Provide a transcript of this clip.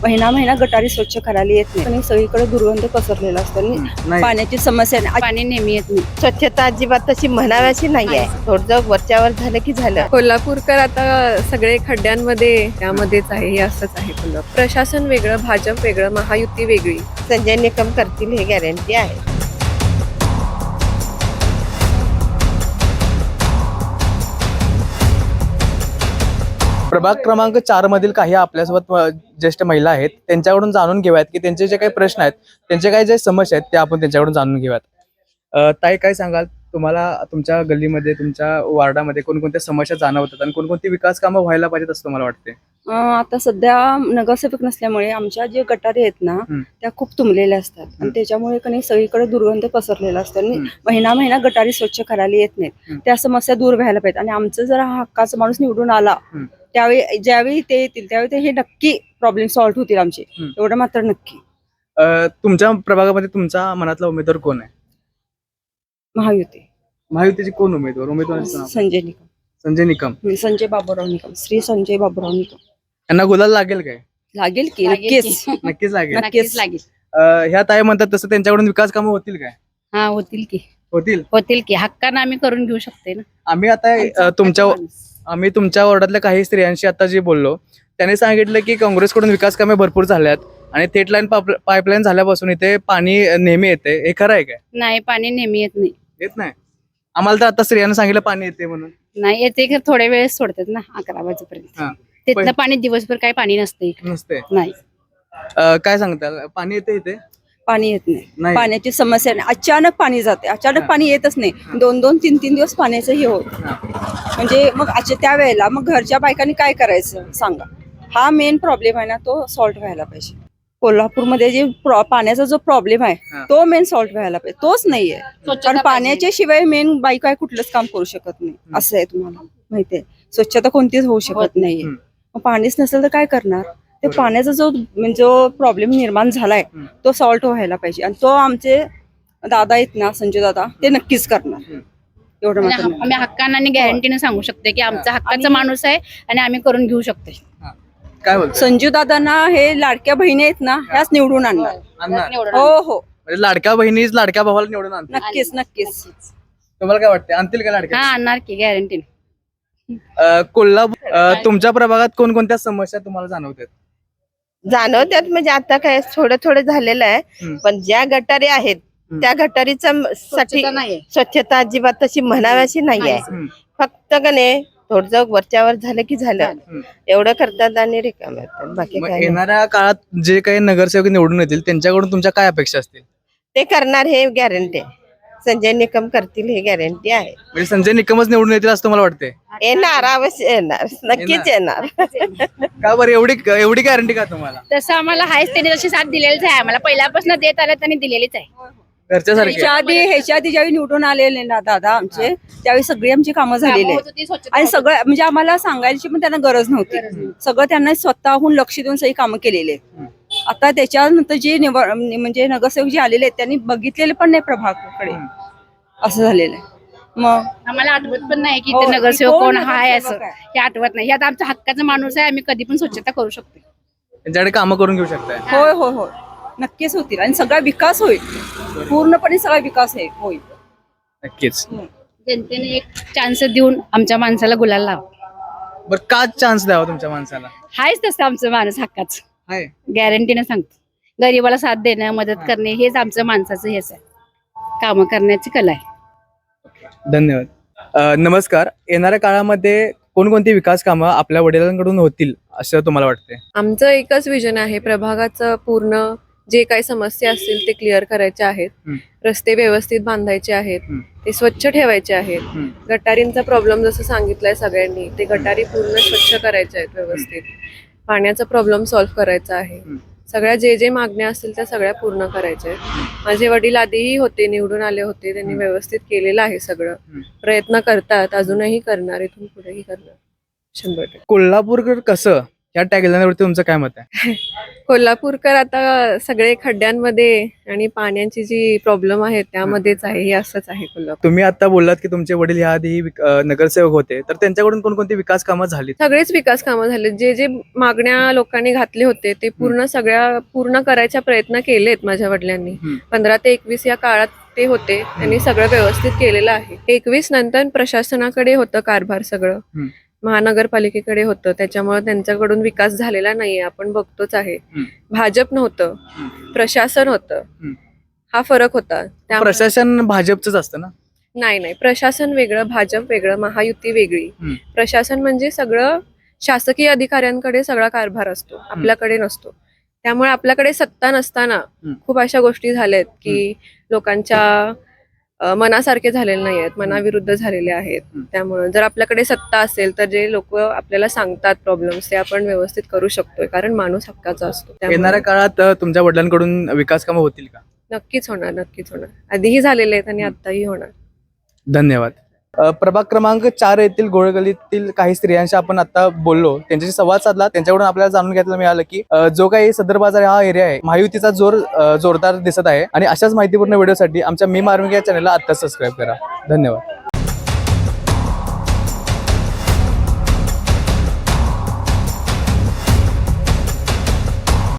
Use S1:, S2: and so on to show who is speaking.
S1: महिना महिना गटारी स्वच्छ करायला येत नाही आणि सगळीकडे दुर्गंध पसरलेला असतो आणि पाण्याची समस्या नाही. पाणी नेहमी येत नाही.
S2: स्वच्छता अजिबात तशी म्हणाव्याची नाही आहे. थोडं वरच्यावर झालं की झालं.
S3: कोल्हापूरकर आता सगळे खड्ड्यांमध्ये त्यामध्येच आहे, हे असंच आहे. कोल्हापूर प्रशासन वेगळं, भाजप वेगळं, महायुती वेगळी.
S2: संजय निकम करतील हे गॅरंटी आहे.
S4: प्रभाग क्रमांक 4 मधील काही आपल्यासोबत ज्येष्ठ महिला आहेत, त्यांच्याकडून जाणून घेऊयात की त्यांचे जे काही प्रश्न आहेत, त्यांचे काही जे समस्या आहेत, ते आपण त्यांच्याकडून जाणून घेऊयात. ताई, काय सांगाल, तुम्हाला तुमच्या गल्लीमध्ये, तुमच्या वार्डामध्ये कोणकोणत्या समस्या जाणवतात आणि कोणकोणती विकास कामं व्हायला पाहिजेत असं तुम्हाला वाटते?
S1: आता सध्या नगरसेवक नसल्यामुळे आमच्या जे गटारी आहेत ना त्या खूप तुंबलेल्या असतात आणि त्याच्यामुळे कधी सगळीकडे दुर्गंध पसरलेला असतो आणि महिना महिना गटारी स्वच्छ करायला येत नाहीत. त्या समस्या दूर व्हायला पाहिजेत आणि आमचं जर हा हक्काचा माणूस निवडून आला त्यावेळी ज्यावेळी ते येतील त्यावेळी ते हे नक्की प्रॉब्लेम सॉल्व्ह होतील आमचे, एवढं मात्र नक्की.
S4: तुमच्या प्रभागामध्ये तुमचा मनातला उमेदवार कोण आहे? महायुतीचे कोण उमेदवार
S1: संजय निकम.
S4: संजय निकम.
S1: संजय बाबूराव निकम, श्री संजय बाबूराव निकम.
S4: यांना गुलाल लागेल काय?
S1: लागेल की नक्कीच.
S4: नक्कीच लागेल.
S1: नक्कीच लागेल.
S4: ह्या ताई म्हणतात तसं त्यांच्याकडून विकास कामं होतील काय?
S5: हा, होतील
S4: होतील
S5: की हक्कानं आम्ही करून घेऊ शकते ना.
S4: आम्ही आता तुमच्या वॉर्डातल्या काही स्त्रियांशी आता जे बोललो, त्यांनी सांगितलं की काँग्रेसकडून विकास कामे भरपूर झाल्यात आणि थेट लाईन पाईपलाईन झाल्यापासून इथे पाणी नेहमी येते. हे खरं आहे काय?
S5: नाही, पाणी नेहमी
S4: येत नाही. आम्हाला तर आता स्त्रियांना सांगितलं पाणी येते म्हणून.
S5: नाही येते की थोड्या वेळेस सोडतात ना, 11 वाजेपर्यंत. तिथलं पाणी दिवसभर काही पाणी नसते. नाही.
S4: काय सांगताल, पाणी येते इथे?
S1: पाणी येत नाही. पाण्याची समस्या नाही. अचानक पाणी जाते, अचानक पाणी येतच नाही. 2-2, 3-3 दिवस पाण्याचं हे होत. म्हणजे मग त्या वेळेला मग घरच्या बायकांनी काय करायचं सांगा. हा मेन प्रॉब्लेम आहे ना, तो सॉल्व्ह व्हायला पाहिजे. कोल्हापूरमध्ये जे पाण्याचा जो प्रॉब्लेम आहे तो मेन सॉल्व्ह व्हायला पाहिजे. तोच नाहीये, कारण पाण्याच्या शिवाय मेन बायका कुठलंच काम करू शकत नाही. असं आहे, तुम्हाला माहितीये. स्वच्छता कोणतीच होऊ शकत नाहीये. मग पाणीच नसेल तर काय करणार? ते पाण्याचा जो प्रॉब्लेम निर्माण झालाय तो सॉल्व्ह व्हायला पाहिजे आणि तो आमचे दादा आहेत ना, संजय दादा, ते नक्कीच करणार. एवढं मात्र
S5: आम्ही हक्कानं आणि गॅरंटीने सांगू शकते की आमचा हक्काचा माणूस आहे आणि आम्ही करून घेऊ शकतो.
S4: काय बोलतो?
S1: संजू दादांना हे लाडक्या बहिणी आहेत ना, ह्याच निवडून आणणार. हो,
S4: म्हणजे लाडक्या बहिणीच लाडक्या भावाला निवडून आणतात.
S1: नक्कीच.
S4: तुम्हाला काय वाटतं, आणतील का लाडक्या?
S5: हा, आणणार की गॅरंटीने.
S4: कोल्हापूर, तुमच्या प्रभागात कोणकोणत्या समस्या तुम्हाला
S2: जाणवतात म्हणजे आता काय थोडं झालेलं आहे, पण ज्या गटारी आहेत त्या गटारीचा साठी स्वच्छता अजिबात तशी म्हणाव्याची नाही आहे. फक्त कने थोडं वरच्यावर झालं की झालं, एवढं करतात आणि रिकामे होतात. बाकी काय
S4: येणाऱ्या काळात जे काही नगरसेवक निवडून येतील त्यांच्याकडून तुमच्या काय अपेक्षा असतील?
S2: ते करणार हे गॅरंटी आहे. संजय निकम करतील हे गॅरंटी आहे.
S4: म्हणजे संजय निकमच निवडून येतील असं तुम्हाला वाटतंय?
S2: येणार, अवश्य येणार, नक्कीच येणार.
S4: का बरं एवढी गॅरंटी का तुम्हाला?
S5: तसं आम्हाला हायच, त्यांनी जशी साथ दिलेलीच आहे. आम्हाला पहिल्यापासून देत आलं त्यांनी दिलेलीच आहे.
S1: ह्याच्या आधी ज्यावेळी निवडून आलेले ना दादा आमचे, त्यावेळी सगळी आमची कामं झालेली आहेत आणि सगळं म्हणजे आम्हाला सांगायची पण त्यांना गरज नव्हती. सगळं त्यांना स्वतःहून लक्ष देऊन सगळी कामं केलेली आहेत. आता त्याच्यानंतर जे म्हणजे नगरसेवक जे आलेले आहेत त्यांनी बघितलेले पण नाही प्रभागाकडे, असं झालेलं आहे. मग
S5: आम्हाला आठवत पण नाही की ते नगरसेवक कोण आहे, असं हे आठवत नाही. आता आमचा हक्काचा माणूस आहे, आम्ही कधी पण स्वच्छता करू शकतो.
S4: त्यांच्याकडे कामं करून घेऊ शकताय?
S1: होय, नक्कीच होतील आणि सगळा विकास होईल. पूर्णपणे सगळा विकास होईल.
S4: नक्कीच.
S5: जनतेने एक चान्स देऊन आमच्या माणसाला गुलाल लावा.
S4: बरं, का चान्स द्यावा तुमच्या माणसाला?
S5: हायच तसं आमचं माणूस हक्काच,
S4: आहे.
S5: गॅरंटीने सांगतो. गरीबाला साथ देणं, मदत करणे हेच आमचं माणसाचं हेच आहे. कामं करण्याची कला आहे.
S4: धन्यवाद. नमस्कार. येणाऱ्या काळामध्ये कोणकोणती विकास कामं आपल्या वडिलांकडून होतील असं तुम्हाला वाटते?
S3: आमचं एकच विजन आहे, प्रभागाचं पूर्ण जे काही समस्या असतील ते क्लिअर करायचे आहेत. रस्ते व्यवस्थित बांधायचे आहेत, ते स्वच्छ ठेवायचे आहेत. गटारींचा प्रॉब्लेम जसं सांगितलंय सगळ्यांनी, ते गटारी पूर्ण स्वच्छ करायचे आहेत व्यवस्थित. पाण्याचा प्रॉब्लेम सॉल्व्ह करायचा आहे. सगळ्या जे मागण्या असतील त्या सगळ्या पूर्ण करायच्या आहेत. माझे वडील आधीही होते, निवडून आले होते, त्यांनी व्यवस्थित केलेलं आहे. सगळं प्रयत्न करतात, अजूनही करणार, इथून पुढेही करणार 100%.
S4: कोल्हापूरकर कसं या टॅगलाईनवरती तुमचं काय मत आहे?
S3: कोल्हापूरकर आता सगळे खड्ड्यांमध्ये आणि पाण्याची जी प्रॉब्लेम आहे त्यामध्येच आहे. हे असंच आहे कोल्हापूर.
S4: तुम्ही आता बोललात की तुमचे वडील ह्या आधी नगरसेवक होते, तर त्यांच्याकडून कोणकोणती विकास कामं झाली?
S3: सगळेच विकास कामं झाले. जे जे मागण्या लोकांनी घातले होते ते पूर्ण करायचा प्रयत्न केलेत माझ्या वडिलांनी. 15 ते 21 या काळात ते होते, त्यांनी सगळं व्यवस्थित केलेलं आहे. 21 नंतर प्रशासनाकडे होतं कारभार सगळं, महानगरपालिकेकडे होतं, त्याच्यामुळे त्यांच्याकडून विकास झालेला नाहीये. आपण बघतोच आहे. भाजप नव्हतं, प्रशासन होतं. हा फरक होता. त्यामुळे
S4: प्रशासन भाजपचंच असतं ना?
S3: नाही, प्रशासन वेगळं, भाजप वेगळं, महायुती वेगळी. प्रशासन म्हणजे सगळं शासकीय अधिकाऱ्यांकडे सगळा कारभार असतो, आपल्याकडे नसतो. त्यामुळे आपल्याकडे सत्ता नसताना खूप अशा गोष्टी झाल्यात की लोकांच्या मनासारखे झालेले नाही आहेत, मनाविरुद्ध झालेले आहेत. त्यामुळे जर आपल्याकडे सत्ता असेल तर जे लोक आपल्याला सांगतात प्रॉब्लेम्स ते आपण व्यवस्थित करू शकतोय, कारण माणूस हक्काचा असतो.
S4: येणाऱ्या काळात तुमच्या वडिलांकडून विकास कामं होतील का?
S3: नक्कीच होणार. आधीही झालेले आहेत आणि आताही होणार.
S4: धन्यवाद. प्रभाग क्रमांक 4 येथील गोळगलीतील काही स्त्रियांशी आपण आता बोललो, त्यांच्याशी संवाद साधला. त्यांच्याकडून आपल्याला जाणून घ्यायला मिळालं की जो काही सदर बाजार हा एरिया आहे, महायुतीचा जोरदार दिसत आहे. आणि अशाच माहितीपूर्ण व्हिडिओसाठी आमच्या मी मार्मिक या चॅनलला आता सबस्क्राईब करा. धन्यवाद.